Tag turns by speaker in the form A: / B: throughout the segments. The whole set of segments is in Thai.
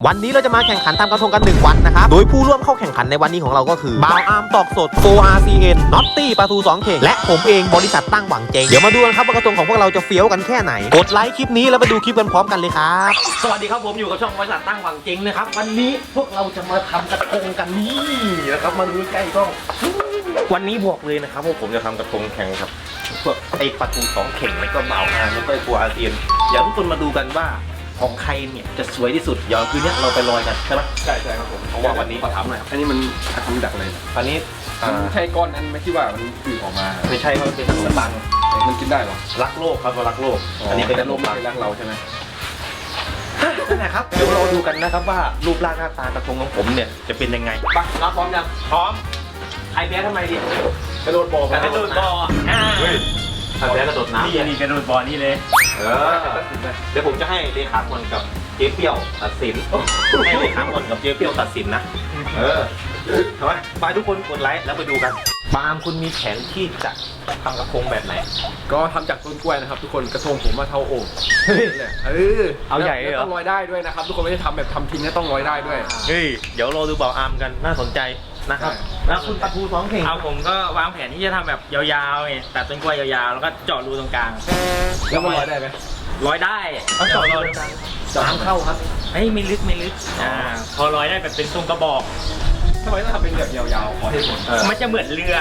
A: วันนี้เราจะมาแข่งขันทำกระทงกัน1วันนะครับโดยผู้ร่วมเข้าแข่งขันในวันนี้ของเราก็คือบ่าวอาร์มตอกสด 4RCN น็อตตี้ปลาทู2เข่งและผมเองบริษัทตั้งหวังเจงเดี๋ยวมาดูกันครับว่ากระทงของพวกเราจะเฟี้ยวกันแค่ไหนกดไลค์คลิปนี้แล้วไปดูคลิปกันพร้อมกันเลยครับสวัสดีครับผมอยู่กับช่องบริษัทตั้งหวังเจงนะครับวันนี้พวกเราจะมาทำกระทงกันนี่นะครับมาดูใกล้ๆกล้องวันนี้บอกเลยนะครับว่าผมจะทำกระทงแข่งครับพวกไอ้ปลาทู2เข่งแล้วก็บ่าวอาร์มแล้วก็4RCNเดี๋ยวทุกคนมาดูกันว่าของใครเนี่ยจะสวยที่สุดเดี๋ยวคืนนี้เราไปลอยกันใช่ไหม
B: ใช่ครับผม
A: เพราะว่าวันนี้
B: ขอถามหน่อยอันนี้มันทำจากอะไร
A: อันนี้
B: ใช่ก้อนนั้นไหมที่ว่ามันตื่นออกมา
A: ไม่ใช่ครับเป็นขนมปัง
B: มันกินได้หรอ
A: รักโลกครับรักโลกอันนี้เป็นขนมปัง
B: รักเราใช่ไหม
A: นั่นแหละครับเดี๋ยวเราดูกันนะครับว่ารูปร่างหน้าตากระทงของผมเนี่ยจะเป็นยังไง
B: ปะรับพร้อมยัง
A: พร้อมใครแพ้ทำไมดิ
B: กระโดดบ่อก
A: ระโดดบ่อใครแพ้กระโดดน้ำ
C: นี่กระโดดบ่อนี่เลย
A: เดี๋ยวผมจะให้เลขาคนกับเจ๊เปี้ยวตัดสินให้เลขาคนกับเจ๊เปี้ยวตัดสินนะทำไมไปทุกคนกดไลค์แล้วไปดูกันปาล์มคุณมีแผนที่จะทำกระทงแบบไหน
B: ก็ทำจากต้นกล้วยนะครับทุกคนกระทงผมมาเท่าโอ่ง
A: เอาใหญ่เลยเหรอ
B: ต้องลอยได้ด้วยนะครับทุกคนไม่ได้ทำแบบทำทิ้งนะต้องลอยได้ด้วย
A: เฮ้ยเดี๋ยวเราดูบ่าวอาร์มกันน่าสนใจนะครับแล้วคุณปลาทู2เข่ง
C: เอาผมก็วางแผนที่จะทำแบบยาวๆไงตัดต้นกล้วยยาวๆแล้วก็เจาะรูตรงกลาง
B: แล้วมันลอยได้ไหม
C: ลอยได้
A: เอาเจาะรูตรงกลางน้ำเข้าครับ
C: ไม่ลึกพอลอยได้แบบเป็นทรงกระบอก
B: ทำไมต้องทำเป็นแบบยาวๆขอเหตุผล
C: มันจะเหมือนเรือ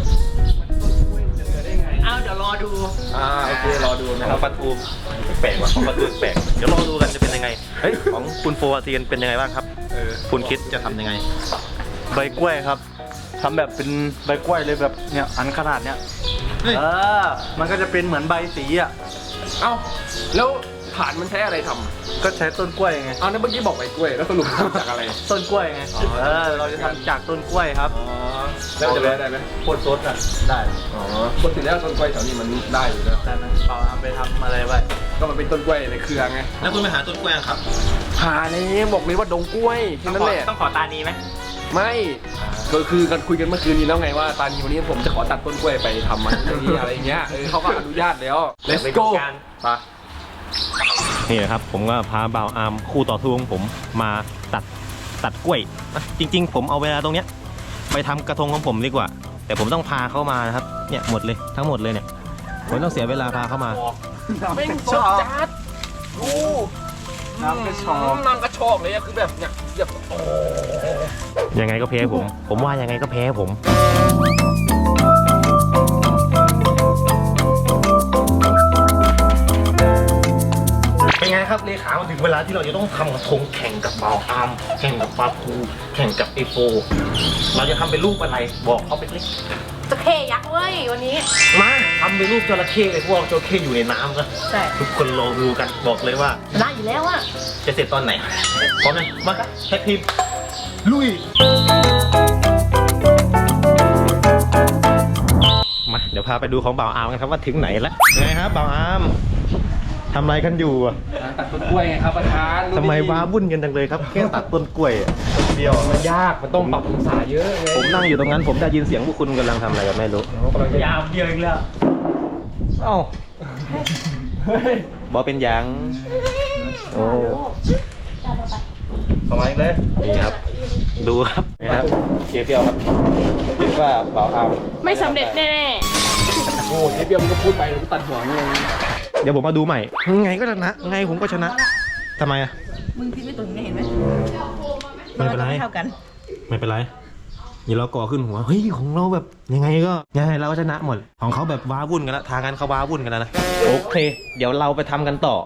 C: เอาเดี๋ยวรอดู
B: โอเครอดู
A: นะครับปลาทูแปลกว่ะของปลาทูแปลกเดี๋ยวรอดูกันจะเป็นยังไงเฮ้ยของคุณ4RCNเป็นยังไงบ้างครับคุณคิดจะทำยังไง
D: ใบกล้วยครับทำแบบเป็นใบกล้วยเลยแบบเนี่ยอันขนาดเนี้ยมันก็จะเป็นเหมือนใบสีอ่ะ
B: เอ้าแล้วฐานมันใช้อะไรทำ
D: ก็ใช้ต้นกล้วยไง
B: เอานั่นเมื่อกี้บอกใบกล้วยแล้วสรุปทำจากอะไร
D: ต้นกล้วยไงเราจะทำจากต้นกล้วยครับ
B: แล้วจะได้ไหม
D: โคตรสดอ่ะได้
B: ปกติแล้วต้นกล้วยแถวนี้มันได้อยู่แล้ว
D: แต่มันเปล่าทำไปทำอะไรไว้
B: ก็มันเป็นต้นกล้วยในเครือไง
A: แล้วคุณไปหาต้นกล้วยครับ
B: หาเลยบอกเลยว่าดงกล้วยแค่นั้นแหละ
C: ต้องขอตานีไหม
B: ไม่ก็คือกันคุยกันเมื่อคืนนี้แล้วไงว่าตอนนี้วันนี้ผมจะขอตัดต้นกล้วยไปทำมันอะไรเงี้ยเขาก็อนุญาตแล้ว Let's go
A: ไปนี่นะครับผมก็พาบ่าวอาร์มคู่ต่อสู้ของผมมาตัดกล้วยจริงๆผมเอาเวลาตรงเนี้ยไปทำกระทงของผมดีกว่าแต่ผมต้องพาเข้ามานะครับเนี่ยหมดเลยทั้งหมดเลยเนี่ยผมต้องเสียเวลาพาเข้ามา
B: ไม่ชอบจัดน้ำกระชอกเลยคือแบบเนี่ย
A: ยังไงก็แพ้ผมว่ายังไงก็แพ้ผมเป็นไงครับเลขาถึงเวลาที่เราจะต้องทำกระทงแข่งกับบ่าวอาร์มแข่งกับปลาทูแข่งกับไอโฟเราจะทำเป็นรูปอะไรบอกเขาเป็นเล็ก
E: จระเข้ยักษ์เว้ยวันนี้
A: มาทำเป็นรูปจระเข้เลยพวกจระเข้อยู่ในน้ำก็
E: ใช่
A: ทุกคนรอดูกันบอกเลยว่า
E: ได้อยู่แล้วอะ
A: จะเสร็จตอนไหนพร้อมไหมมาแท็กทีมลุยมาเดี๋ยวพาไปดูของบ่าวอาร์มกันครับว่าถึงไหนแล้วไงครับบ่าวอาร์มทำอะไรกันอยู่อ่ะ
B: ตัดต้นกล้วยไงครับประธาน
A: ทำไมว้าวุ่นกันจังเลยครับแค่ตัดต้นกล้วย
B: เดียวมันยากมันต้องปรับองศาเยอะ
A: ผมนั่งอยู่ตรงนั้นผมได้ยินเสียงพวกคุณกำลังทำอะไรกันไม่รู้
C: ยาวเดียวอีกแล้ว
A: เอ้าบอเป็นยังโอ้
B: ประมาณเลย
A: นี่ครับดูครับนี่ครับเจี๊ยบเปียวครับคิดว่าบ่าวอาร์ม
E: ไม่สำเร็จแน่
B: โอ้เจี๊ยบเปียวมันก็พูดไปแล้วก็ตัดหัวไง
A: เดี๋ยวผมมาดูใหม่ไงก็ชนะไงผมก็ชนะทำไมอะ
E: มึงคิดไม่ตรงนี้เห็นไหม
A: ไม่เป็นไร
E: เท่ากัน
A: ไม่เป็นไรอย่าเราก่อขึ้นหัวเฮ้ยของเราแบบยังไงก็เราก็ชนะหมดของเขาแบบว้าวุ่นกันแล้วทางกันเขาว้าวุ่นกันแล้วนะโอเคเดี๋ยวเราไปทำกันต่อ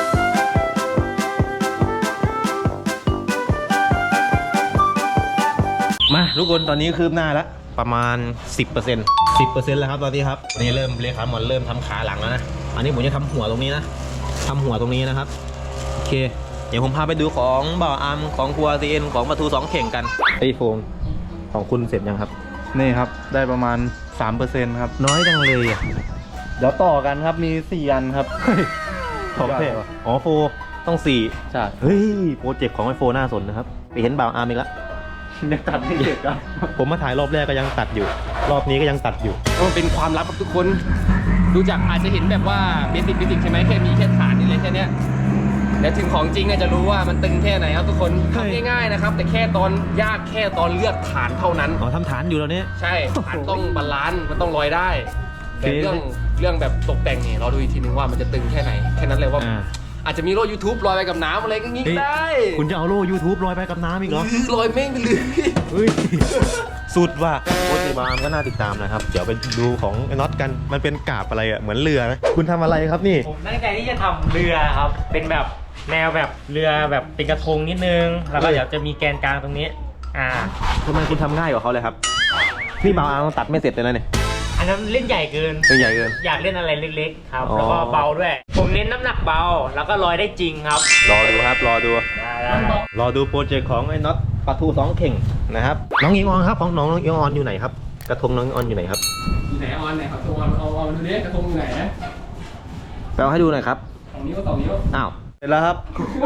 A: มาทุกคนตอนนี้คืบหน้าแล้วประมาณ 10% แล้วครับตอนนี้ครับนี่เริ่มเลขาหมอนเริ่มทำขาหลังแล้วนะอันนี้ผมจะทำหัวตรงนี้นะทำหัวตรงนี้นะครับโอเคเดี๋ยวผมพาไปดูของบ่าวอาร์มของ4RCNของปลาทู2เข่งกันไอโฟมของคุณเสร็จยังครับ
D: นี่ครับได้ประมาณ 3% ครับ
A: น้อยจังเลยอ่ะ
D: เดี๋ยวต่อกันครับมี4อันครับ
A: ของแท้อ๋อโฟต้อง4
D: ใช่
A: เฮ้ยโปรเจกต์ของไอโฟน่าสนนะครับไปเห็นบ่าวอาร์มอีกแล้ว
D: ยังตัดไม่เสร็จครับ
A: ผมมาถ่ายรอบแรกก็ยังตัดอยู่รอบนี้ก็ยังตัดอยู่
B: มันเป็นความลับกับทุกคนดูจากอาจจะเห็นแบบว่าเบสิกใช่ไหมแค่มีแค่ฐานนี่เลยแค่นี้แต่ถึงของจริงเนี่ยจะรู้ว่ามันตึงแค่ไหนครับทุกคน
A: เฮ้ย
B: ทำง่ายๆนะครับ แต่แค่ตอนยากแค่ตอนเลือกฐานเท่านั้น
A: อ๋อทำฐานอยู่แล้วเนี่ย
B: ใช่ฐานต้องบาลานซ์มันต้องลอยได้ แต่
A: โอเค
B: เรื่องแบบตกแต่งเนี่ยเราดูอีกทีนึงว่ามันจะตึงแค่ไหนแค่นั้นเลยว่า อาจจะมีโล่ YouTube ลอยไปกับน้ำอะไรก็งี้
A: เฮ้ย
B: ได้
A: คุณจะเอาโล่ YouTube ลอยไปกับน้ำอีกเหรอ
B: ลอยเม่งไปเลย
A: เฮ้ย สุดว่ะโคตรบามก็น่าติดตามนะครับ เดี๋ยวไปดูของไอ้น็อตกัน มันเป็นกาบอะไรอ่ะ เหมือนเรือนะคุณทำอะไรครับนี่
C: ผมตั้งใจที่จะทำเรือครับ เป็นแบบแนวแบบเรือแบบเป็นกระทงนิดนึง แล้วก็เดี๋ยวจะมีแกนกลางตรงนี้
A: ทำไมคุณทำง่ายกว่าเขาเลยครับ นี่บาวอาตัดไม่เสร็จเลยนะเนี่ย
C: อันนั้นเล่นใหญ่เกิน
A: เป็นใหญ่เกิน
C: อยากเล่นอะไรเล็กๆครับ
A: อ๋อ
C: แล้วก็เบาด้วย ผมเน้นน้ำหนักเบา แล้วก็ลอยได้จริงครับ
A: รอดูครับ รอดู
C: ได้
A: รอดูโปรเจกต์ของไอ้น็อตปลาทูสองเข่งนะครับ น้องอิงออนครับของน้องอิงออนอยู่ไหนครับ กระทงน้องอิงออนอยู่ไหนครับ
B: อยู่ไหนออนไหนครับตัวเอาดูดิกระทงอยู่ไหน
A: แปลให้ดูหน่อยครับ
B: 2 นิ้ว 2 นิ้ว
A: อ้าว เสร็จแล้วครับ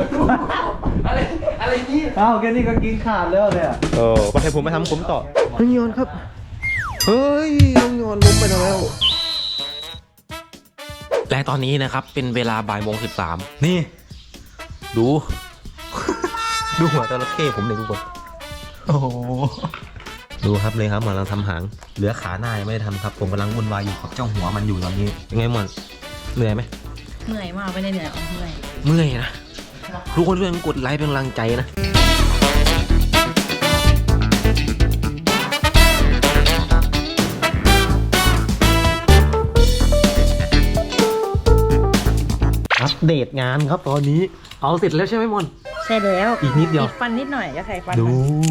B: อะไรนี่
D: อ้าวแค่นี้ก็กินขาดแล้วเนี่ย
A: โอ้มาให้ผมไปทำผมต่อน้องอิงออนครับ เฮ้ย น้องอิงออนล้มไปแล้ว และตอนนี้นะครับเป็นเวลาบ่ายโมง13นี่ ดู ดูหัวจระเข้ผมเลยทุกคน โอ้โห ดูครับเลยครับเหมือนเราทำหางเหลือขาหน้ายังไม่ได้ทำครับ ผมกำลังวุ่นวายอยู่กับเจ้าหัวมันอยู่ตอนนี้ยังไงมันเหนื่อยไหม
E: เหนื่อยมากไม่ได้เหนื่อยเอาเมื่อย
A: เมื่อยนะ ทุกคนช่วยกันกดไลค์เป็นกำลังใจนะ อัปเดตงานครับตอนนี้ เอาเสร็จแล้วใช่ไหมมอน
E: ใช่แล้ว
A: อีกนิดเดียว
E: ฟันนิดหน่อยก็ใส่ฟัน
A: ดู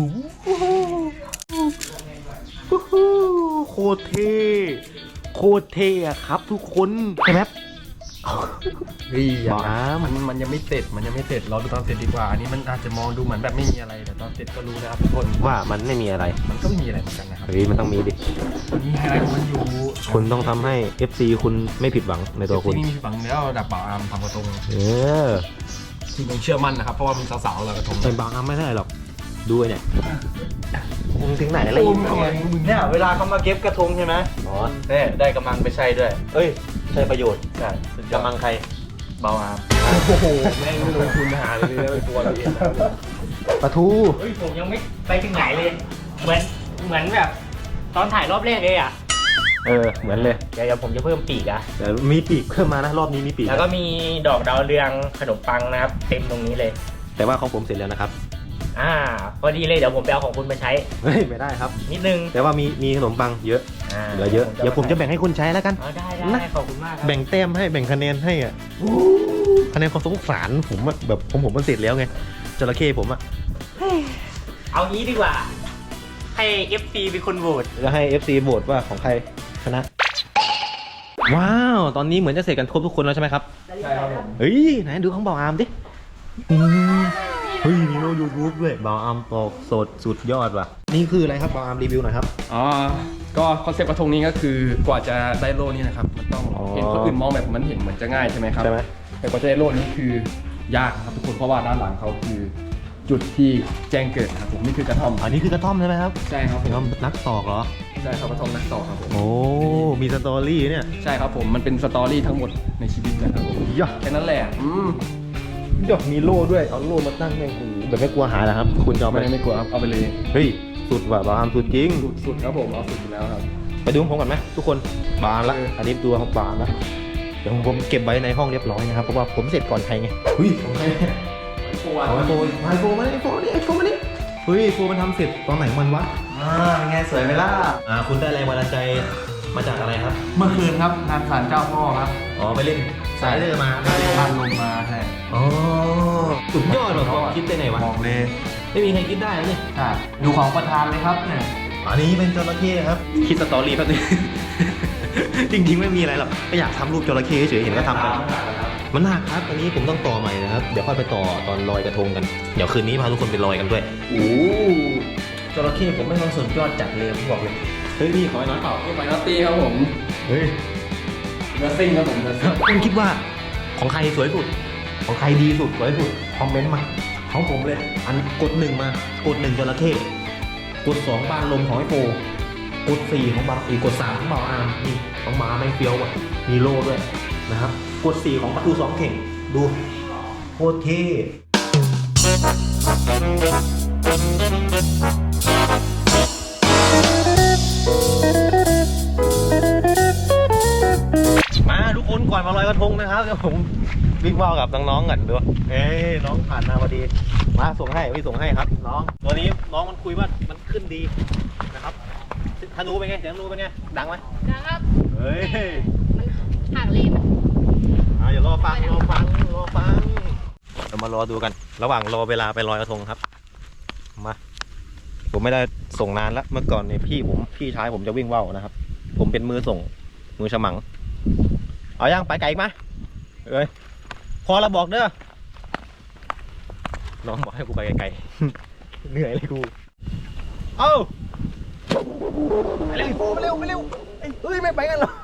E: มา
A: โคตรเท่โคตรเท่อะครับทุกคนใช่ไหม
B: เฮ้ย
A: บอกนะ
B: มันยังไม่เสร็จเราดูตอนเสร็จดีกว่า อันนี้มันอาจจะมองดูเหมือนแบบไม่มีอะไรแต่ตอนเสร็จก็รู้นะครับทุกคน
A: ว่ามันไม่มีอะไร
B: มันก็ไม่มีอะไรเหมือนกันนะครับ
A: เฮ้ยมันต้องมีดิ
B: มีไฮไลท์ของมันอยู่
A: คุณต้องทำให้ FC คุณไม่ผิดหวังในตัวคุณ
B: ที่นี่มีฝังแล้วดับบ่าวอาร์มทำกระทง
A: เออ
B: คือยังเชื่อมั่นนะครับเพราะว่ามีสาวๆเรากระทง
A: เป็นบางอันไม่ได้หรอก ดูไอ้เนี่ยมึงถึงไหนแล้ว
D: เนี่ยเวลาเขามาเก็บกระทงใช่ไหม
A: อ๋อ
D: เนี่ยได้กำลังไปใช้ด้วย
A: เอ้ย ใช้ประโยชน์
D: ใช่สุดยอด
A: กำลังใคร
D: เบาอาร์ม
B: โอ้โหแม่งไม่ลงทุนหาเลยนะเป็นตัวเราเอง
A: ปลาทู
C: เฮ้ยผมยังไม่ไปถึงไหนเลย เหมือนแบบ ตอนถ่ายรอบแรกเลยอ่ะ
A: เออ เหมือนเลย
C: เดี๋ยวผมจะเพิ่มปีกอ่ะ
A: แต่มีปีกเพิ่มมานะ รอบนี้มีปีก
C: แล้วก็มีดอกดาวเรืองขนมปังนะครับ เต็มตรงนี้เลย
A: แต่ว่าของผมเสร็จแล้วนะครับ
C: พอดีเลยเดี๋ยวผมไปเอาของคุณมาใช้
A: เฮ้ย ไม่ได้ครับ
C: นิดนึง
A: แต่ว่ามีขนมปังเยอะ เหลือเยอะ เดี๋ยวผมจะแบ่งให้คุณใช้แล้วกัน
C: ได้ขอบคุณมากครับ
A: แบ่งแต้มให้ แบ่งคะแนนให้อ่ะคะแนนความสงสารผมอะแบบผมมันเสร็จแล้วไง จระเข้ผมอะ
C: เอางี้ดีกว่า ให้ FC เป็นคนโหวต
A: แล้วให้ FC โหวตว่าของใครชนะ ว้าว ตอนนี้เหมือนจะเสร็จกันครบทุกคนแล้วใช่ไหมครับ
B: ใช่ครับผม
A: เฮ้ย ไหนดูของบ่าวอาร์มดิเฮ้ย มีโลยูทูบด้วยบ่าวอาร์มตอกสดสุดยอดว่ะ นี่คืออะไรครับบ่าวอาร์มรีวิวหน่อยครับ
B: อ๋อก็คอนเซ็ปต์กระทงนี้ก็คือกว่าจะได้โล่นี้นะครับมันต้อง
A: อ๋อ
B: เห็นคนอื่นมองแบบมันเห็นเหมือนจะง่ายใช่ไหมครับ
A: ใช่ไหม
B: แต่กว่าจะได้โล่นี้คือยากนะครับทุกคนเพราะว่าด้านหลังเขาคือจุดที่แจ้งเกิดนะครับผมนี่คือกระท่อม
A: อันนี้คือกระท่อมใช่ไหมครับ
B: ใช่ครับผม
A: น้องนักตอกเหรอ
B: ใช่ครับกระท่อมนักต่อครับผม
A: โอ้ มีสตอรี่เนี่ย
B: ใช่ครับผมมันเป็นสตอรี่ทั้งหมดในชีวิตนะครับผม
A: ย่า
B: แค่นั้นแหละ
A: ดอกมีโล่ด้วย เอาโล่มาตั้งแม่งโอ้โหแบบไม่กลัวหายนะครับ คุณจะเอาไป
B: ไม่กลัวครับเอาไปเลย
A: เฮ้ย สุดว่ะบาวอาร์มสุดจริง
B: สุดครับผมเอาสุดอยู่แล้วครับ
A: ไปดูของผมก่อนไหมทุกคนบาร์มละ อันนี้ตัวของบาร์มละเดี๋ยวผมเก็บไว้ในห้องเรียบร้อยนะครับ เพราะว่าผมเสร็จก่อนใครไงเฮ้ยเอาไอโฟนไอโฟนมาไอโฟนนี่ไอโฟนมานี่เฮ้ยไอโฟนมันทำเสร็จตอนไหนมันวะ
D: เป็นไงสวยไหมล่ะ
A: คุณได้แรงบันดาลใจมาจากอะไรครับ
D: เมื่อคืนครับงานศาลเจ้าพ่อครับ
A: อ๋อไปเล่นสายเรือมา
D: บ้านลงมาใช่
A: อ๋อสุดยอดว่ะความคิดได้ไงวะ
D: บอกเลย
A: ไม่มีใครคิดได้นะนี่
D: ใช่ดูของประธานเลยครับเนี่ย
A: อันนี้เป็นจระเข้ครับ คิดสตอรี่แป๊บนึง จริงๆไม่มีอะไรหรอกก็อยากทำรูปจระเข้เฉยๆเห็นก็ทำกัน มันหนักครับ อันนี้ผมต้องต่อใหม่นะครับ เดี๋ยวค่อยไปต่อตอนลอยกระทงกัน เดี๋ยวคืนนี้พาทุกคนไปลอยกันด้วย โอ้จระเข้ผมไม่ต้องสนยอดจัดเลยผมบอกเลย เฮ้ยนี่ขอไอ้น้อยเปล่า
B: นี่ไฟนัตตี้ครับผม
A: เฮ้ย
B: เนื้อซิ่งครับผมเนื้อซิ่ง
A: คุณคิดว่าของใครสวยสุด ของใครดีสุดสวยสุด คอมเมนต์มา ของผมเลย อันกด1มากด1จระเข้กด2บ้านลมของไอโฟกด4ของบางกด3ของเบาอาร์มนี่ของหมาแม่งเฟี้ยวว่ะมีโล่ด้วยนะครับ กด4ของประตู2เข่งดูโคตรเท่มาทุกคนก่อนมาลอยกระทงนะครับเดี๋ยวผมวิ่งว่าวกับน้องๆกันด้วยน้องผ่านมาพอดีมาส่งให้พี่ส่งให้ครับน้องตัวนี้น้องมันคุยว่ามันขึ้นดีนะครับธนูเป็นไงเสียงธนูเป็นไงดังไหม
F: นะครับ
A: เฮ้ย
F: มันห่างเลน
A: เดี๋ยวรอฟังเดี๋ยวมารอดูกัน ระหว่างรอเวลาไปลอยกระทงครับมาผมไม่ได้ส่งนานแล้วเมื่อก่อนเนี่ยพี่ชายผมจะวิ่งว่าวนะครับ ผมเป็นมือส่งมือฉมังเอายังไปไกลอีกไหมเอ้ยพอเราบอกเด้อน้องบอกให้กูไปไกลๆ เหนื่อยเลยกูเอ้าไปเร็วไปเร็วเฮ้ยไม่ไปกันหรอ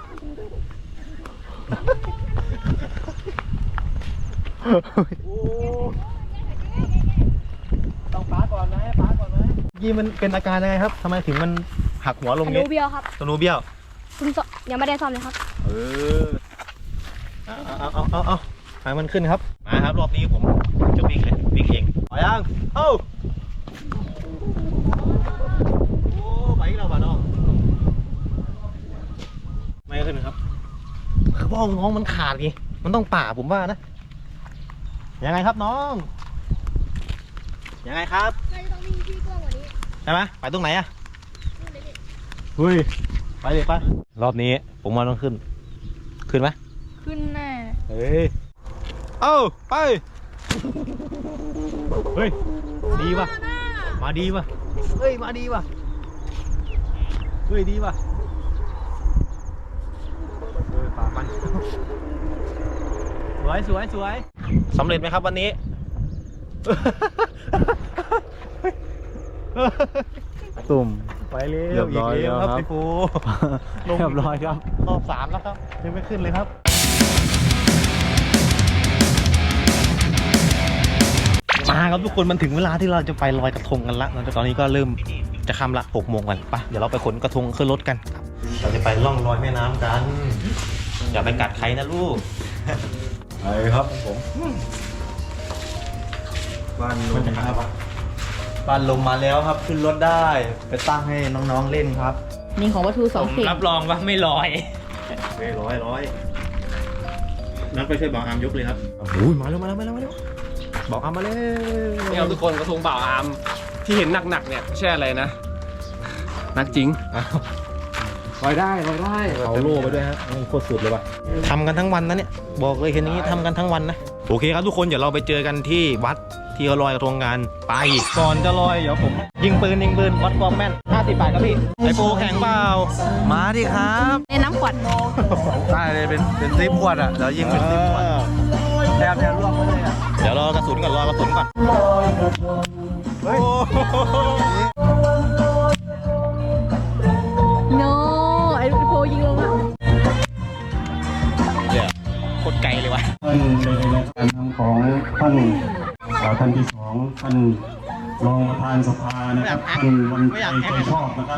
A: ต้องป้าก่อนไหมยี่มันเป็นอาการยังไงครับทำไมถึงมันหักหัวลง
F: ธ
A: นี้
F: นูเบี้ยวครับ
A: ธนูเบี้ยว
F: คุณยังไม่ได้ซ่อมเลยครับ
A: เอาให้มันขึ้นครับมาครับรอบนี้ผมจะวิ่งเลยวิ่งเองต่อยังโอ้ไปเราบ้าน้องไม่ขึ้นครับคือพ่อน้องมันขาดไงมันต้องป่าผมว่านะยังไงครับน้องยังไงครับ
F: ต้องวิ่งที่กว้างกว่านี้
A: ใช่ไหมไปตรงไหนอะเฮ้ยไปเลยไปรอบนี้ผมว่าต้องขึ้นไหม
F: ขึ้นแน่
A: เฮ้ยเอ้าไปเฮ้ยดีป่ะมาดีป่ะเฮ้ยมาดีป่ะเฮ้ยดีป่ะปากมันสวยสำเร็จไหมครับวันนี้
D: ตุ่ม
A: ไปเร็ว
D: เรียบร้อย
A: กแล้วครับ
D: แล้วครับ
A: พี่ปู
D: เรียบร้อยครับ
A: รอบ3แล้วครับยังไม่ขึ้นเลยครับมาครับทุกคนมันถึงเวลาที่เราจะไปลอยกระทงกันละตอนนี้ก็เริ่มจะค่ำละ6 โมงกันไปเดี๋ยวเราไปขนกระทงขึ้นรถกันเราจะไปล่องลอยแม่น้ำกันอย่าไปกัดใครนะลูก
D: ไปครับผมบ้านลมครับบ้านลมมาแล้วครับขึ้นรถได้ไปตั้งให้น้องๆเล่นครับ
E: นี่ของวัตถุสองเข่ง
C: รับรองว่าไม่ลอย
A: ร้อยนัดไปช่วยบอกอามยกเลยครับโอ้ยมาแล้วบอกอามมาเลย
B: นี่ครับทุกคนกระทงบ่าวอามที่เห็นหนักๆเนี่ยไม่ใช่อะไรนะหนักจริงลอยได้
A: เอาโล่ไปด้วยฮะโคตรสุดเลยว่ะทำกันทั้งวันนะเนี่ยบอกเลยเห็นอย่างนี้ทำกันทั้งวันนะโอเคครับทุกคนเดี๋ยวเราไปเจอกันที่วัดที่เขาลอยกระทงกันไปก่อนจะลอยเดี๋ยวผมยิงปืนวัดความแม่น50 บาทครับพี่ไอโฟแข่งเปล่า
D: มาดิครับ
E: ในน้ำขวด
D: ได้เลยเป็นซิปขวดอ่ะเดี๋ยวยิงเป็นซิปขวดแทบจะร่วงไปเลยอ่ะ
A: เดี๋ยวรอกระสุนก่อนเฮ้ย
E: โนไอ้โพยิงลงอ่ะ
A: เนี่ยโคตรไกลเลยวะ
G: ท่านในการทำของท่านที่สองท่านรองประธานสภานะครับท่านวันใจชอบนะครับ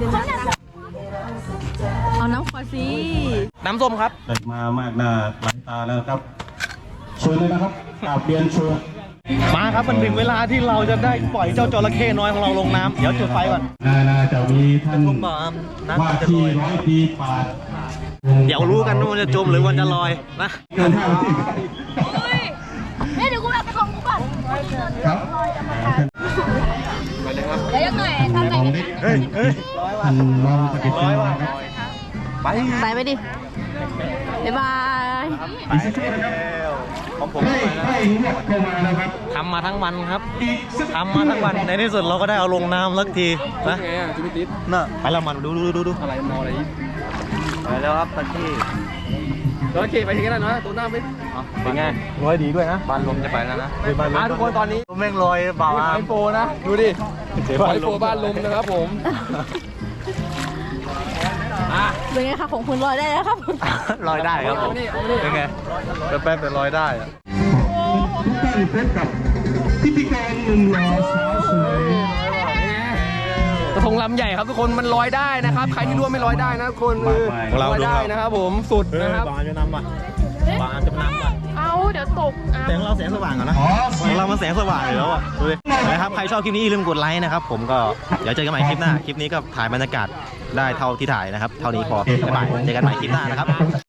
E: เอาน้ำขวดสิ
A: น้ำส้มครับ
G: ได้มามากหน้าหลายตาแล้วครับเชิญเลยนะครับกราบเรียนเชิญ
A: มาครับมันถึงเวลาที่เราจะได้ปล่อยเจ้าจระเข้น้อยของเราลงน้ำเดี๋ยวจุดไฟก่อน
G: น่าจะมีท่าน
A: ผมบอกน้ำ
G: ว่า
A: มันจะล
G: ที่
A: อย
G: ร้อยปีปราด
A: เดี๋ยวรู้กันว่ามันจะจมหรือมันจะลอยนะ
F: เดี๋ยวกูแบบไปของกูก่อน
G: ครับ
F: เดี๋ยวยังไงทำไง
G: ของเด็กท่านรองสกิจนะครับ
E: ไปดิบ๊ายบาย
G: อีกสักครู่นะครับ
A: ของผม
G: ให้เรียกเข้ามานะครับ
A: ทำมาทั้งวันครับทำมาทั้งวันในที่สุดเราก็ได้เอาลงน้ำสักทีนะ
B: ไงอ่ะจิมิติส
A: น่ะไปแล้วมันดู
B: อะไรมออะไรอีก
D: ไปแล้วครับตะกี้
B: โอเคไปทีกันแล้วนะตัวหน้าไม่
A: เป็นไงร้อยดีด้วยนะ
D: บ้านลมจะไปแล้วนะ
B: ทุกคนตอนนี้
D: แม่งลอยเบาอ่ะ
B: ไอโฟนะดูดิไอโฟบ้านลมนะครับผม
E: เป็นไงคะของคุณลอยได้แล้วครับ
D: ลอยได้ครับผมเป็นไงแป๊บแต่ลอยได้อะ
G: ทุกท่านพบกับพิธีกรหนุ่มหล่อสาวสวย
B: กระทงลำใหญ่ครับทุกคนมันลอยได้นะครับใครที่ร่วมไม่ลอยได้นะทุกคนลอยได้นะครับผมสุดนะครับ
A: บางจะนำอ่ะบางจะนำอ่ะ
F: เอาเดี๋ยวตกอ่ะ
A: แต่ของเราแสงสว่างก่อนนะของเรามันแสงสว่างอยู่แล้วอ่ะดูดินะครับใครชอบคลิปนี้อย่าลืมกดไลค์นะครับผมก็เดี๋ยวเจอกันใหม่คลิปหน้าคลิปนี้ก็ถ่ายบรรยากาศได้เท่าที่ถ่ายนะครับเท่านี้พอบ๊ายบายเจอกันใหม่คลิปหน้านะครับ